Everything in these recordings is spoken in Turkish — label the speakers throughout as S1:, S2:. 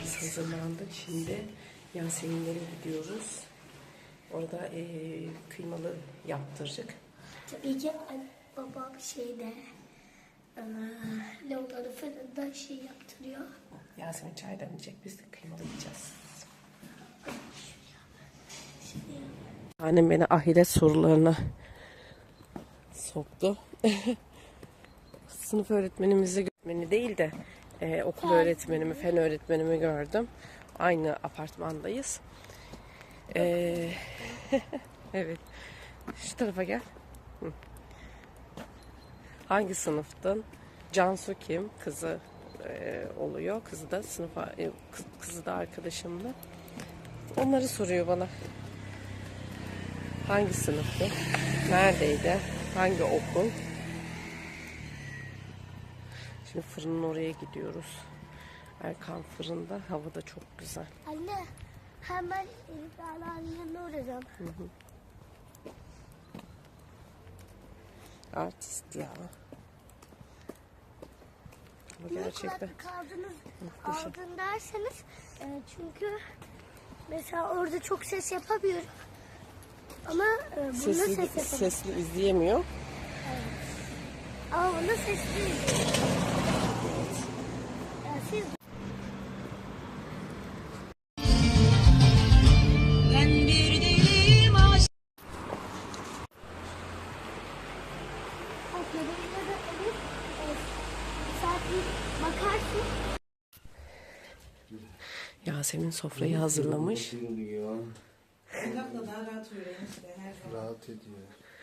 S1: Biz hazırlandık. Şimdi Yaseminlere gidiyoruz. Orada kıymalı yaptıracak.
S2: Tabii ki babam lavları fırında yaptırıyor.
S1: Yasemin çay demleyecek. Biz de kıymalı yiyeceğiz. Annem beni ahiret sorularına soktu. Sınıf öğretmenimizi öğretmeni değil de okul öğretmenimi, fen öğretmenimi gördüm. Aynı apartmandayız. Evet. Şu tarafa gel. Hı. Hangi sınıftın? Cansu kim? Kızı oluyor. Kızı da sınıfa, kızı da arkadaşımla. Onları soruyor bana. Hangi sınıftı? Neredeydi? Hangi okul? Şimdi fırının oraya gidiyoruz. Erkan fırında. Hava da çok güzel.
S2: Anne hemen yanına uğrayacağım.
S1: Artist ya. Ama gerçekten
S2: aldın derseniz çünkü mesela orada çok ses yapamıyorum. Ama bunda ses yapamıyorum.
S1: Sesli izleyemiyor.
S2: Evet. Ama bunda sesli izleyemiyor. Siz bakarsın.
S1: Yasemin sofrayı hazırlamış.
S3: Rahat ediyor.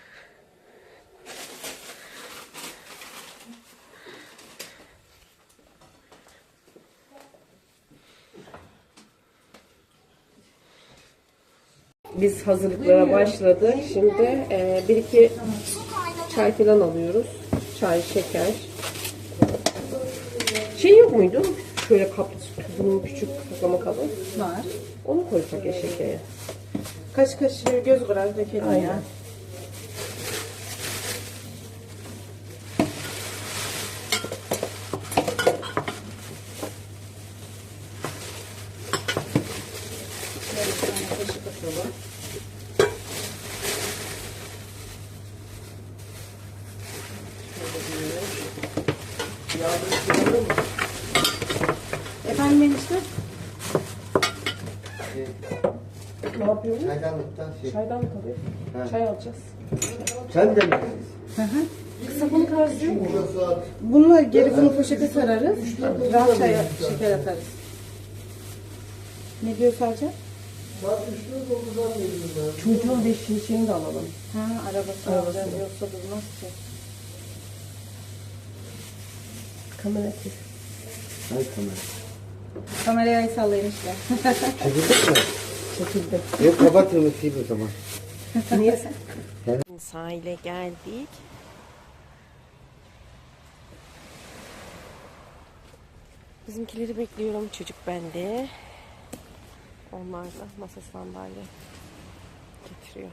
S1: Biz hazırlıklara başladık. Şimdi bir iki çay falan alıyoruz. Çay, şeker. Şey yok muydu? Şöyle kaplı bunun küçük saklama kabı.
S4: Var.
S1: Onu koysak eşeğe.
S4: Kaç göz kırar dökelim ya. Efendim enişte?
S1: Ne yapıyoruz?
S3: Çaydanlıktan
S1: Çaydan tabii.
S3: Ha.
S1: Çay alacağız.
S3: Sen de mi?
S1: Kısa bunu karşılıyor mu?
S4: Bununla geri bunu poşete sararız. Rahat çaya şeker atarız. Ne diyor Salça?
S3: Saat 3'te 9'dan geliyorum ben.
S1: Çocuğun beşiğini şeyini de alalım.
S4: Ha arabası alacağım yoksa durmaz ki.
S1: Kamera kes.
S3: Hay kamera.
S4: Kamerayı ay sallayın işte.
S3: Çekildik mi?
S1: Çekildi.
S3: Yok kapatın sil o zaman.
S1: Niye sen? Sahile geldik. Bizimkileri bekliyorum. Çocuk bende. Onlar da masa sandalye getiriyor.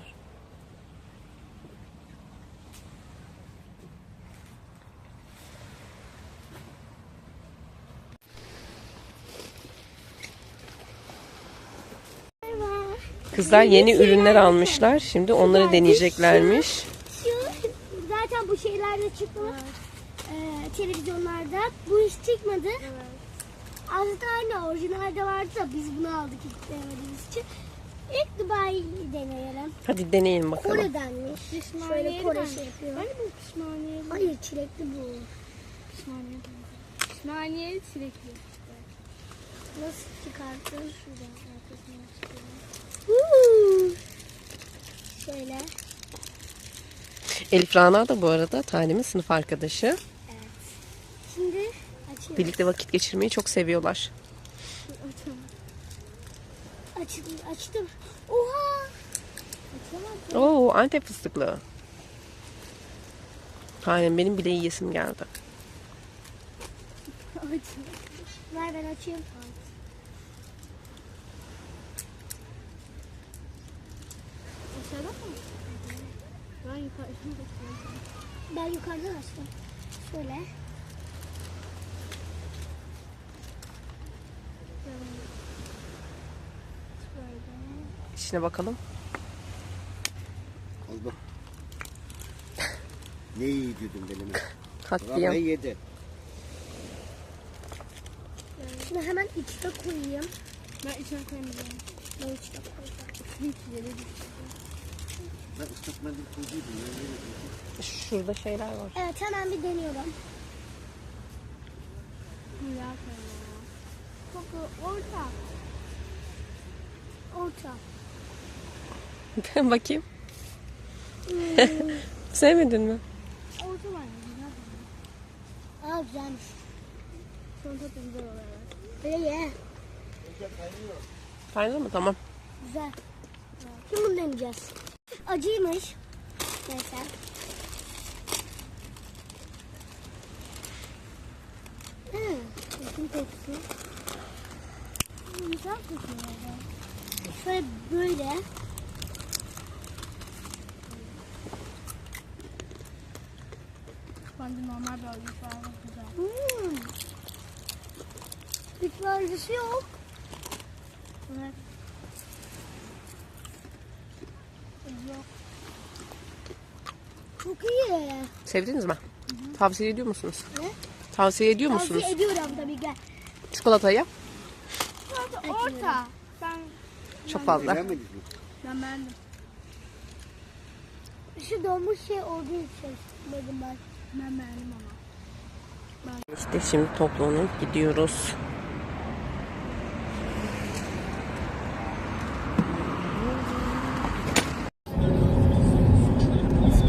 S1: Kızlar yeni ürünler almışlar. Şimdi onları deneyeceklermiş.
S2: Şu zaten bu şeylerde çıktı. Televizyonlarda. Bu hiç çıkmadı. Aslında aynı orijinalde vardı da biz bunu aldık ilk denemediğimiz için. İlk Dubai'yi deneyelim.
S1: Hadi deneyin bakalım.
S2: Kore'denmiş. Şöyle Kore şey yapıyor. Hayır çilekli bu.
S5: Pişmaniye çilekli.
S2: Nasıl çıkarttın? Şuradan arkasından çıkıyorum. Şöyle.
S1: Elif Rana da bu arada Tanem'in sınıf arkadaşı.
S2: Evet. Şimdi açıyorum.
S1: Birlikte vakit geçirmeyi çok seviyorlar.
S2: Açtım. Oha! Açamadım.
S1: Oo, Antep fıstıklı. Tanem benim bile yiyesim geldi.
S2: Ver ben açayım.
S5: Aşağıda mı?
S2: Ben yukarıdan açtım. Şöyle.
S1: İçine bakalım.
S3: Al bak. Ne iyi dedim belime.
S1: Katliam.
S3: Rabbay yedi.
S2: Şunu hemen içine koyayım.
S5: Ben içine koymayacağım.
S2: Ben içine koyacağım.
S3: Ben ıslak mendil koyduydum. Ben yine koydum.
S1: Şurada şeyler var.
S2: Evet hemen bir deniyorum.
S5: Ya koyma.
S2: Koku orta. Orta.
S1: Ben bakayım. Sevmedin mi?
S5: Orta var ya. Güzel.
S2: Aa güzelmiş.
S5: Son tadı güzel oluyor.
S2: Böyle ye.
S1: Kaynadı mı? Tamam.
S2: Güzel. Şimdi bunu deneyeceğiz. Acıymış. Neyse. Bakın kokusu. Güzel kokuyor. Şöyle böyle.
S5: Bence normal bir acı falan güzel.
S2: Hiç acısı yok.
S5: Evet.
S2: Yok. Çok iyi.
S1: Sevdiniz mi? Tavsiye ediyor musunuz?
S2: Ne?
S1: Tavsiye ediyor musunuz?
S2: Tavsiye ediyorum tabii ki.
S1: Çikolatayı.
S5: Orta.
S1: Çok fazla.
S3: Beğenmediniz mi?
S5: Ben beğendim.
S2: Şu donmuş şey olduğu için dedim ben.
S5: Ben beğendim ama.
S1: İşte şimdi toplanıp gidiyoruz.